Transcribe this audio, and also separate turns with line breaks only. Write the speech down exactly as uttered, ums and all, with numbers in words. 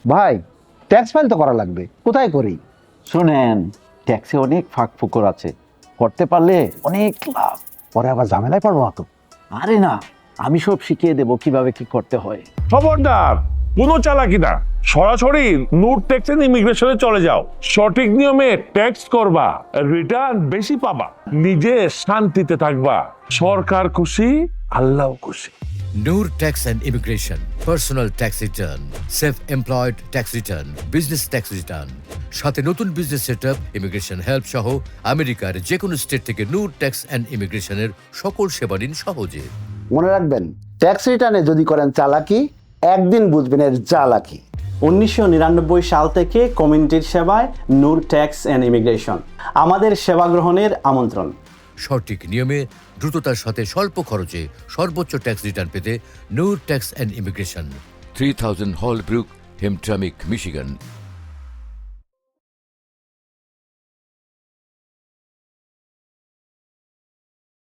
ভাই tax file তো করা লাগবে, কোথায় করি?
শোনেন, ট্যাক্সে অনেক ফাঁক ফুকর আছে, করতে পারলে অনেক লাভ।
পরে আবার ঝামেলায় পড়বো না তো?
আরে না, আমি সব শিখিয়ে দেবো কিভাবে কি করতে হয়।
খবরদার, কোনো চালাকি না, সরাসরি নূর ট্যাক্স এন্ড ইমিগ্রেশনে চলে যাও। সঠিক নিয়মে ট্যাক্স করবা, রিটার্ন বেশি পাবা, নিজে শান্তিতে থাকবা, সরকার খুশি, আল্লাহ খুশি।
Noor Tax and Immigration, Personal Tax Return, Self-Employed Tax Return, Business Tax Return, সাথে নতুন বিজনেস সেটআপ, ইমিগ্রেশন হেল্প সহ আমেরিকার যে কোনো স্টেট থেকে নূর ট্যাক্স অ্যান্ড ইমিগ্রেশনের সকল সেবা নিন সহজে।
মনে রাখবেন, ট্যাক্স রিটার্নে যদি করেন চালাকি, একদিন বুঝবেন এর চালাকি।
উনিশশো নিরানব্বই সাল থেকে কমিউনিটির সেবায় নূর ট্যাক্স অ্যান্ড ইমিগ্রেশন, আমাদের সেবা গ্রহণের আমন্ত্রণ।
সঠিক নিয়মে দ্রুততার সাথে স্বল্প খরচে সর্বোচ্চ ট্যাক্স রিটার্ন পেতে Noor tax and immigration,
three thousand Holbrook, Hamtramck, Michigan,